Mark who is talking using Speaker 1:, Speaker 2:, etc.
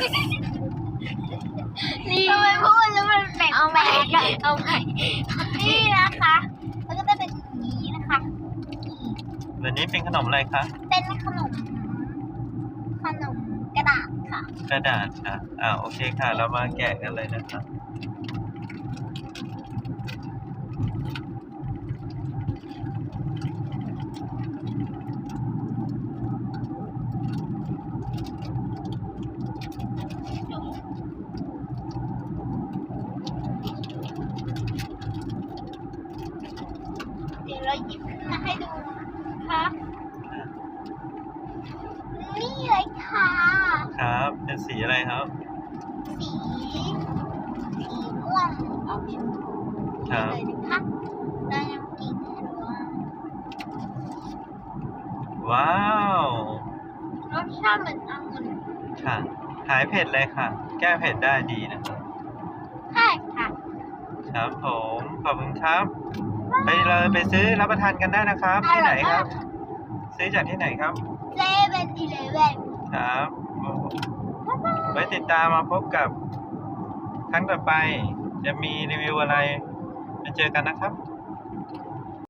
Speaker 1: นี่ทำไมพูดแล้วมันแปลกเอาใหม่เอาใหม่นี่นะคะแล้วก็จะเป็นอย่างนี้นะคะ
Speaker 2: วันนี้เป็นขนมอะไรคะ
Speaker 1: เป็นขนมกระดาษค่ะ
Speaker 2: กระดาษค่ะโอเคค่ะ เรามาแกะกันเลยนะครับ
Speaker 1: เดี๋ยวเราหยิบขึ้นมาให้ดูค่ะนี่เลยค่ะ
Speaker 2: ครับเป็นสีอะไรครับ
Speaker 1: สีม่วงออกชมพูเลยนะคะเรายังกินให้ดู
Speaker 2: ว้าว
Speaker 1: รสชาติเหมือนองุ่น
Speaker 2: ค่ะหายเผ็ดเลยค่ะ แก้เผ็ดได้ดีนะครับ
Speaker 1: ใช่ค่ะ
Speaker 2: ครับผมขอบคุณครับไปซื้อรับประทานกันได้นะครับที่ไหนครับซื้อจากที่ไหนครับ
Speaker 1: 7-Eleven
Speaker 2: ครับไว้ติดตามมาพบกับครั้งต่อไปจะมีรีวิวอะไรมาเจอกันนะครับ